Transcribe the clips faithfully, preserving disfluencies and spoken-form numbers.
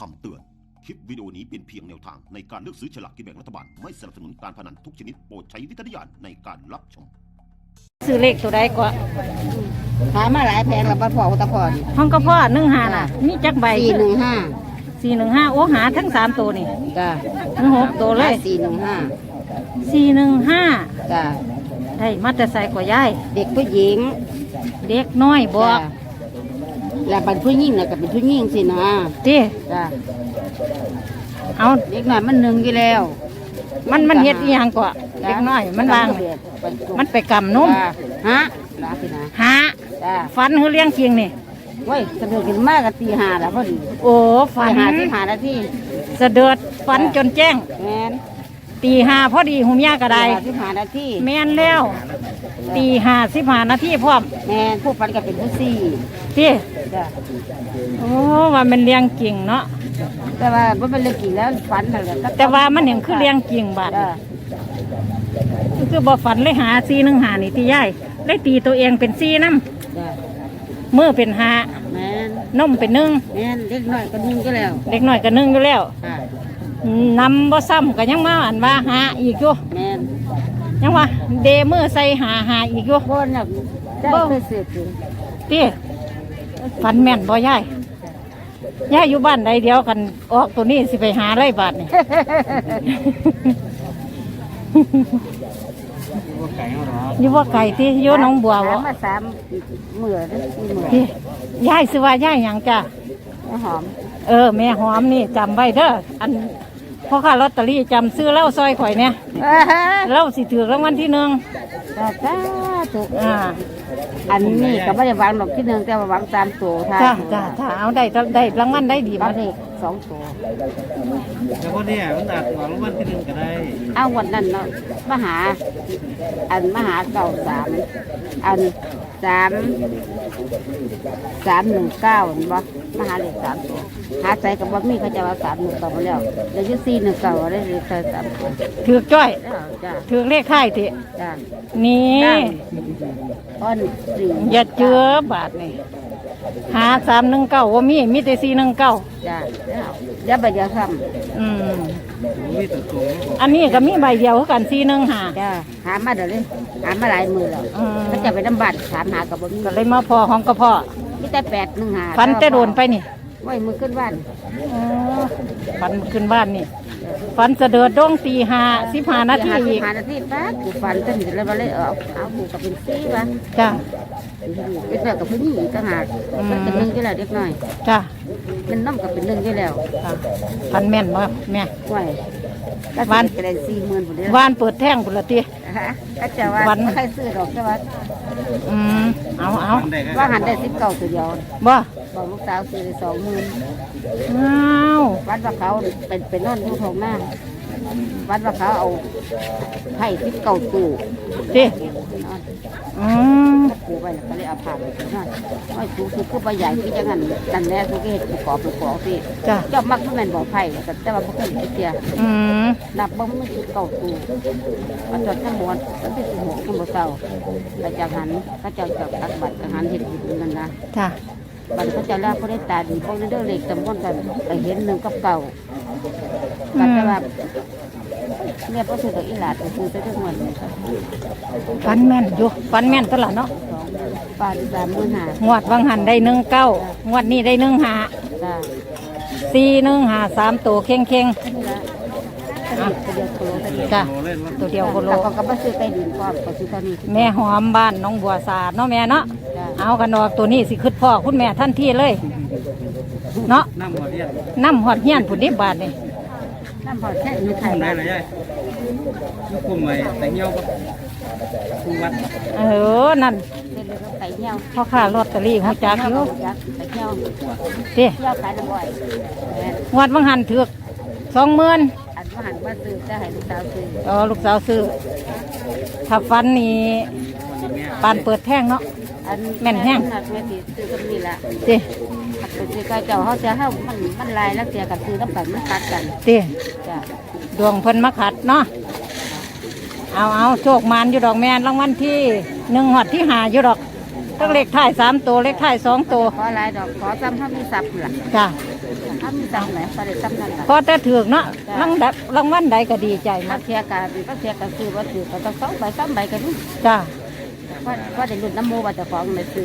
คำเตือนคลิปวิดีโอนี้เป็นเพียงแนวทางในการเลือกซื้อฉลากกินแบ่งรัฐบาลไม่สนับสนุนการพนันทุกชนิดโปรดใช้วิจารณญาณในการรับชมซื้อเลขตัวใดก็หามาหลายแพงแล้วบ่พอตะพอนี่ห้องก็พ่อหนึ่งหาน่ะมีจักใบสี่หนึ่งห้าสี่หนึ่งห้าโอ้หาทั้งสามตัวนี่จ้าทั้งหกตัวเลยสี่หนึ่งห้าสี่หนึ่งห้าจ้าได้มาแต่ใส่กว่ายายเด็กผู้หญิงเด็กน้อยบอกแล้วเป็นผู้หญิงน่ะก็เป็นผู้หญิงสินะติจ้าเอาเด็กน้อยมันหนึ่งอยู่แล้วมันมันเฮ็ดอีหยังก็เด็กน้อยมันวางมันไปกำนมฮะลาสินะฮะฟันคือเลี้ยงจริงนี่เว้ยสะดุดขึ้นมากกับตีห้าแล้วพอดีโอ้ฟันห้าสิบห้านาทีสะเดือดฟันจนแจ้งแม่นตีห้าพอดีหุมยากระไดสิบห้านาทีแม่นแล้วตีห้าสิบห้านาทีพร้อมแม่นผู้ฟันก็เป็นผู้สี่ติจ้ะโอ้ว่ามันเลี้ยงจริงเนาะแต่ว่าบ่เป็นเรื่องจริงแล้วฝันนั่นแหละแต่ว่ามันเห็นคือเลี้ยงจริงบาดคือบ่ฝันเลยหาซีหนึ่งหานี่ตีใหญ่ได้ตีตัวเองเป็นซีน้ำมือเป็นหาแม่นนมเป็นหนึ่งแม่นเล็กน้อยก็นึ่งก็แล้วเล็กน้อยก็หนึ่งอยู่แล้วนำบ่ซ้ำก็ยังมาอันว่าหาอีกอยู่แม่นยังว่าเดมือใส่หาหาอีกอยู่บ่น่ะได้ไปเสียถึงตีฝันแม่นบ่ยายย่าอยู่บ้านใดเดียวกันออกตัวนี้สิไปหาไรบาทนี่อยู่ว่าไก่ที่อยู่น้องบัววะมาสามเหมือสี่เหมือย่ายซื้อว่าย่ายหยังจ้ะแม่หอมเออแม่หอมนี่จำไว้เด้ออันพ่อค้าลอตเตอรี่จำซื้อเล่าซอยข่อยเนี่ยเล่าสิถือรางวัลที่หนึ่งจ้าถูกอ่าอันนี้ก็ไม่ได้วางดอกที่หนึ่งแต่ว่า วางตามตัวท่าจ้าจ้าถ้าเอาได้ได้รางวัลได้ดีมาเด็กสองตัวแล้วพอเนี่ยมันอาจวางรางวัลที่หนึ่งก็ได้เอาวันนั้นเนาะมหาอันมหาเก่าสามอันสามสามหนึ่งเก้าเห็นบ่มหาเลขสามตัวหาใจกับบ่มีเขาจะว่าสามหนึ่งเก้ามาแล้วเดี๋ยวยุสี่หนึ่งเก้าได้เลขสามตัวถือจ้อยถือเลขค่ายทีนี่อ้อนสี่อย่าเจือบาทนี่หาสามหนึ่งเก้าว่ามีมีแต่สี่หนึ่งเก้าจ้าเดี๋ยวใบเดียวทำอืมอันนี้ก็มีใบเดียวกันสี่หนึ่งหาจ้าหามาเดี๋ยวเลยหามาหลายมือแล้วก็จะไปน้ำบัตรถามหากับบ่มีก็เลยมาพอของกระเพาะมีแต่แปดหนึ่งหาฟันแต่โดนไปนี่ไว้มือขึ้นบ้านฟันขึ้นบ้านนี่ฟันเสดือดดงตีหาสิบห้านาทีอีกหานาทีป้ากูฟันจนถึงแล้วมาเลยเอาเอากูกับเป็นซีวะจ้าเป็นแบบกับผู้หญิงต่างหากเป็นหนึ่งอยู่แล้วเด็กน้อยจ้าเป็นน้ำกับเป็นหนึ่งอยู่แล้วฟันแม่นบ่แม่ไหววานเป็นสี่หมื่นผุนวานเปิดแท่งผุนละตีก็จะว่าไม่ใครซื้อดอกแต่ว่าอืมเอาเอาว่าหันได้สิบเก้าตัวเดียวบ่บอกลูกสาวซื้อสองหมื่นว้าววัดว่าเขาเป็นเป็นนอนทุกทองหน้าวัดว่าเขาเอาไผ่สิบเก้าตู้ดิอืมกูไปแล้วก็เลยเอาผ่านไปนั่นไอ้กูคือกูไปใหญ่ที่จะงั้นดันแน่กูก็เห็นกูขอกูขอพี่จ้ะเจ้ามักทุกแม่นบอกไผ่แต่ว่าพวกนี้เสียอืมนับบ้างไม่สิบเก้าตู้มันจอดทั้งหมดตั้งแต่สิบหกทั้งหมดเศร้าแต่จากหันก็จะจับตักบัตรหันเห็นอยู่นั่นนะจ้ะบัตรเขาจะแล้วเขาได้ตาดีพวกนี้เรื่องเล็กจำก้อนกันไปเห็นหนึ่งกับเก่ากันแต่ว่าเนี่ยพอซื้อตัวอีหลาดซื้อไปทุกวันฟันแม่นอยู่ฟันแม่นตลอดเนาะปลาที่สามหมื่นห้างวดวังหันได้หนึ่งเก้างวดนี้ได้หนึ่งหาสี่หนึ่งหาสามตัวเข่งเข่งจ้ะตัวเดียวโคโลเขาก็มาซื้อไปดินก่อนก็ซื้อตอนนี้แม่หอมบ้านน้องบัวสาดเนาะแม่เนาะเอากันออกตัวนี้สิขึ้นพ่อคุณแม่ท่านที่เลยเนาะน้ำหอดเฮียนน้ำหอดเฮียนผุดดิบบาทนี่น้ำหอดแค่ยุคไทยได้เลยยัยยุคคุมไว้แต่เงี้ยวก็คุมวัดเออนั่นพ่อค้าลอตเตอรี่หัวจักอยู่เตี้ยขายน้ำบ่อยวัดวังหันถือกสองหมื่นอันวังหันมาซื้อจะให้ลูกสาวซื้ออ๋อลูกสาวซื้อถ้าฟันนี่ปานเปิดแท่งเนาะแม่นแห้งแม่ตีซื้อก็มีละเตี้ยซื้อก็เจ้าเขาจะให้มันมันลายแล้วเสียกับซื้อน้ำกันมันตัดกันเตี้ยดวงเพิ่นมาขัดเนาะเอาเอาโชคมานอยู่ดอกแมนรางวัลที่หนึ่งหอดที่หาอยู่ดอกต้องเลขท้ายสามตัวเลขท้ายสองตัวขอลายดอกขอซ้ำเท่ามีสับหลักจ้าถ้ามีจำไหนก็ได้จำนั่นแหละพอแต่ถือกเนาะรางดับรางวัลใดก็ดีใจมามากเทียกันก็เทียกันซื้อว่าถือก็ต้องสองใบสามใบกันนี่จ้าก็ก็ได้ลุ้นน้ำโมว่าจะฟ้องในซื้อ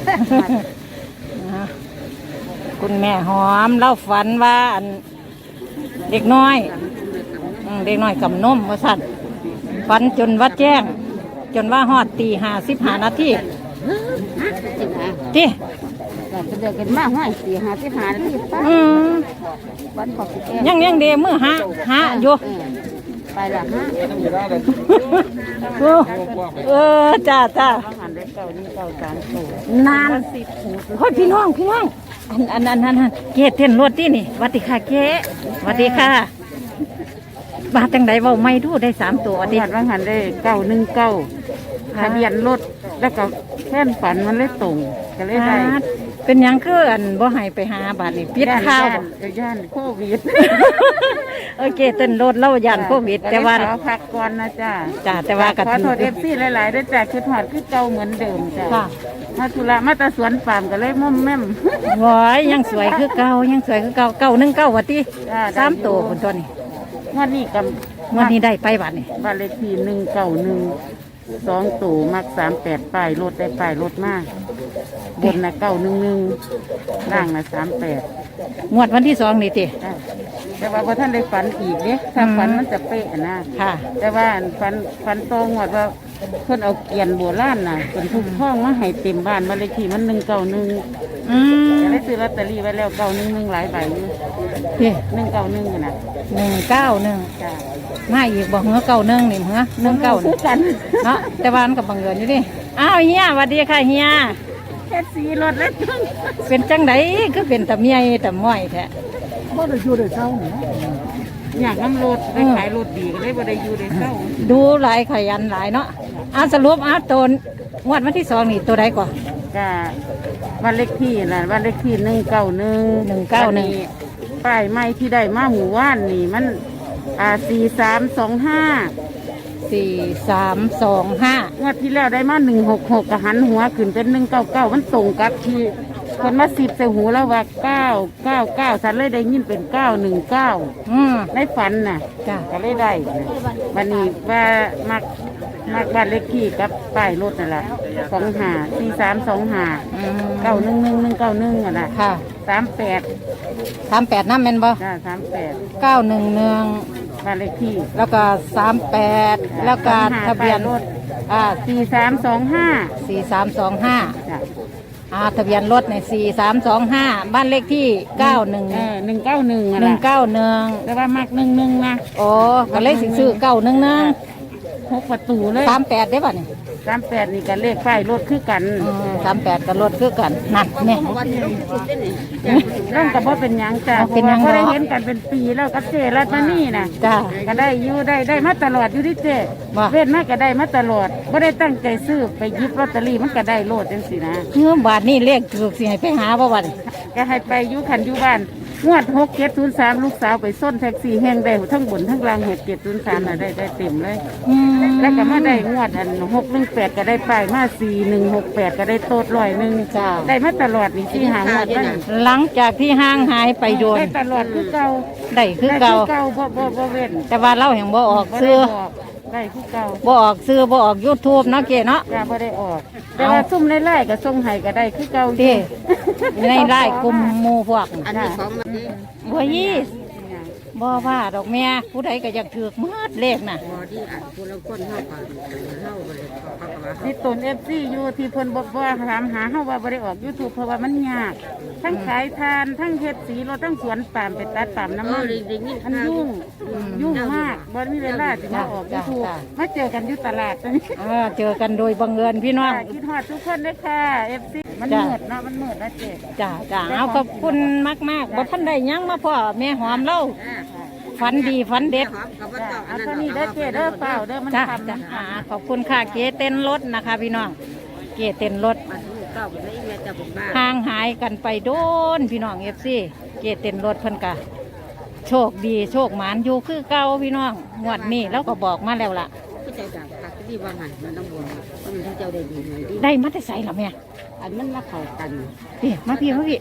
นะคุณแม่หอมเล่าฝันว่าอันเด็กน้อยอืมเด็กน้อยกับนมว่าสั่นฝันจนวัดแจ้ง จนว่าฮอดตีห้าสิบห้านาทีจริงนะที่ก็จะเดินกันมากห้อยสี่ห้าสิบห้านาทีป้าอืมวันขอบคุณแกยังยังเดมือหาหาอยู่ไปละฮะเออเออจ้าจ้าอาหารได้เก่านี่เก่าสามสูนานโอ้ยพี่น้องพี่น้องอันอันอันอันอันเกศเต้นรถที่นี่หวัดดีค่ะเกศหวัดดีค่ะมาจังไดเว้าไม่ดูได้สามตัวหวัดดีอาหารอาหารได้เก้าหนึ่งเก้าทะเบียนรถแล้วก็แค่นฝันมันเลยตรงก็เลยได้อ่าเป็นหยังคืออันบ่ให้ไปหาบาดนี่ปิดข้าวบ่ย่านโควิดโอเคเต้นรถเล่ายันโควิดแต่ว่าขอพักก่อนนะจ้าจ้าแต่ว่าก็ขอถืโทอษเอฟซีหลายๆด้วยจ้าคือถอดคือเก่าเหมือนเดิมจ้าค่ะมาธุระมาแตาสวนปาล์มก็เลยม่อมแม่มว้อยยังสวยคือเก่ายังสวยคือเก่าเก่าหนึ่งเก่าวัดที่จ้าได้สามตัวคนตัวนี้งวันนี้กับงวันนี้ได้ไปบัดนี่บ้านเลขที่หนึ่งเก้าหนึ่งสองตู่มักสามแปดป้ายรถได้ป้ายรถมากบนนะเก้าหนึ่งหนึ่งล่างนะสามแปดงวดวันที่สองนี่ติแต่ว่าพอท่านได้ฝันอีกเนี่ยถ้าอืมฝันมันจะเป๊ะนะค่ะแต่ว่าอันฝันฝันโตงวดว่าเพิ่นเอาเกียนโบราณน่ะเป็นทุกห้องมาให้เต็มบ้านบ้านเลขที่มันหนึ่งเก้าหนึ่งอืมได้ซื้อลอตเตอรี่ไว้แล้วเก้าหนึ่งหนึ่งหลายใบอยู่นี่หนึ่งเก้าหนึ่งนะหนึ่งเก้าหนึ่งจ้ามาอีกบอกเหือเก้าหนึ่งนี่เหือหนึ่งเก้าคือกันเนาะแต่ว่ามันกับบังเอิญอยู่ดิอ้าวเฮียสวัสดีค่ะเฮียแค่สีรถแล้วจังเป็นจังไดคือเป็นตะเมียตะม้อยแท้บ่ได้อยู่ได้เศร้าอยากน้ำรถได้ขายรถดีก็เลยบ่ได้อยู่ได้เศร้าดูหลายขยันหลายเนาะอ่าสรุปอ่าตนงวดวันที่สองนี่ตัวใดก่อนก็บ้านเลขที่น่ะบ้านเลขที่หนึ่งเก้าหนึ่งหนึ่งเก้าหนึ่งป้ายไม้ที่ได้มาหมู่ว่านนี่มันอ่าสี่สามสองห้าสี่สามสองห้างวดที่แล้วได้มาหนึ่งหกหกกะหันหัวขึ้นเป็นหนึ่งเก้าเก้ามันตรงกับที่คนมาสิบใส่หูแล้วว่าเก้าเก้าเก้าฉันเลยได้ยินเป็นเก้าหนึ่งเก้าอืมในฝันน่ะจ้ะก็เลยได้นะวันนี้ว่ามักมักบ้านเลขที่กับป้ายรถนั่นแหละสองหาสี่สามสองหาอืมเก้าหนึ่งหนึ่งหนึ่งเก้าหนึ่งอ่ะนะค่ะสามแปดสามแปดน้ำแม่นบ่จ้าสามแปดเก้าหนึ่งหนึ่งบ้านเลขที่แล้วก็สามแปดแล้วก็ทะเบียนป้ารถอ่าสี่สามสองห้าสี่สามสองห้าจ้ะอ่าทะเบียนรถในสี่สามสองห้าบ้านเลขที่เก้าหนึ่งเออหนึ่งเก้าหนึ่งอ่ะหนึ่งนะเก้าหนึ่งแต่ว่ามักหนึ่งหนึ่งนะโอ้ก็เลยสิซื้อเก้าหนึ่งหนึ่งหกประตูเลยสามแปดได้ป่ะนี่สามแปดนี่กันเลขป้ายรถคือกันสามแปดกับรถคือกันนั่นเนี่ยร่องกับว่าเป็นหยังจ้ะเป็นหยังเพราะว่าเนาะก็ได้เห็นกันเป็นปีแล้วกับเจรัตมานี่นะจ้าก็ได้อยู่ได้ได้มาตลอดอยู่ที่เจว่าเว้นมาก็ได้มาตลอดไม่ได้ตั้งใจซื้อไปหยิบลอตเตอรี่มันก็ได้โลดจังสินะเงื่อบาทนี่เลขถูกสิให้ไปหาบ่วันก็ให้ไปอยู่ขันอยู่บ้านงวดหกเจ็ดศูนย์สามลูกสาวไปส้นแท็กซี่แห้งได้ทั้งบนทั้งล่างหกเจ็ดศูนย์สามน่ะได้ได้เต็มเลยอืมแล้วก็มาได้งวดอันหกหนึ่งแปดก็ได้ไปมาสี่หนึ่งหกแปดก็ได้โตดร้อยหนึ่งจ้าได้มาตลอดนี่ที่หางวดมันหลังจากที่ห้างหายไปโดนได้ตลอดคือเก่าได้คือได้เก่าคือเก่าบ่บ่บ่เว้นแต่ว่าเราแห่งบ่ออกบ่ซื้ได้อบอกได้คือเก่าบ่ออกซื้อบ่ออกยูทูบเนาะเก๋เนาะจ้าบ่ได้ออก แต่ว่าซุ่มในไล่ก็ส่งให้ก็ได้คือเก่าอยู่เด้ในไร่กลุ่มหมู่พวกอันนี้ของมันบ่ยี่บ่ว่าดอกแม่ผู้ใดก็อยากถือกมืดเลขน่ะบ่ที่อันผู้ละคนเฮาก็เฮาบ่ได้ที่ตน เอฟ ซี อยู่ที่เพิ่นบ่บ่ถามหาเฮาว่าบ่ได้ออก YouTube เพราะว่ามันยากทั้งขายทานทั้งเฮ็ดสีรถทั้งสวนปาล์มไปตัดปาล์มน้ำมันมันยุ่งยุ่งมากบ่มีเวลาสิมาออก YouTube มาเจอกันอยู่ตลาดตรงนี้เออเจอกันโดยบังเอิญพี่น้องค่ะคิดฮอดทุกคนเลยค่ะ เอฟ ซี มันจ้ะมืดเนาะมันมืดนะเจ๊จ้าจ้าเอาขอบคุณมากมากๆบ่ทันได้หยังมาพ่อแม่หอมเล่าฝันดีฝันเด็ดจ้ะเอาเท่านี้เด้อเจ๊เด้อเปล่าเด้อมันจ้าทำจ้านะอ่าขอบคุณค่ะเก๋เต้นรถนะคะ พี่น้องเก๋เต้นรถเก้าไปได้อีเมลจะบอกบ้าห่างหายกันไปโดนพี่น้องเอฟซีเก๋เต้นรถเพิ่นกะโชคดีโชคหมานอยู่คือเก่าพี่น้องงวดนี้แล้วก็บอกมาแล้วล่ะผู้ใจดับตักที่ว่าหันมันต้องบวมเพราะมันทั้งเจ้าได้ดีหน่อยดีได้มาแต่ใส่ละแม่อันมันมาเข้ากันพี่มาพี่มาพี่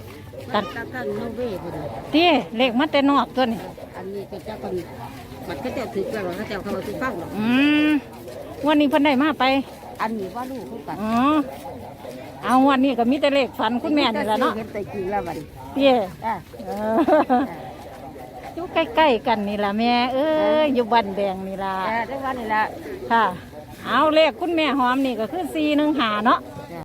ตัดตัดตั้งโนเว่พุ่นน่ะที่เลขมาแต่นอกตัวนี้อันนี้ก็เจ้าคนบัดเขาเจ้าถือแล้วเขาเจ้าเขาเอาสิฟังหรอกอืมวันนี้เพิ่นได้มาไปอันนี้ว่าลูกเขากันอ๋อเอาวันนี้ก็มีแต่เลขฝันคุณแม่นี่แหละเนาะเห็นแต่จริงแล้วบัดเตี้ยอ่ะเอออยู่ใกล้ๆกันนี่ล่ะแม่เอ้ยอยู่บ้านแดงนี่ล่ะแต่ได้วันนี้ละค่ะ เอาเลขคุณแม่หอมนี่ก็คือสี่หนึ่งหาเนาะแ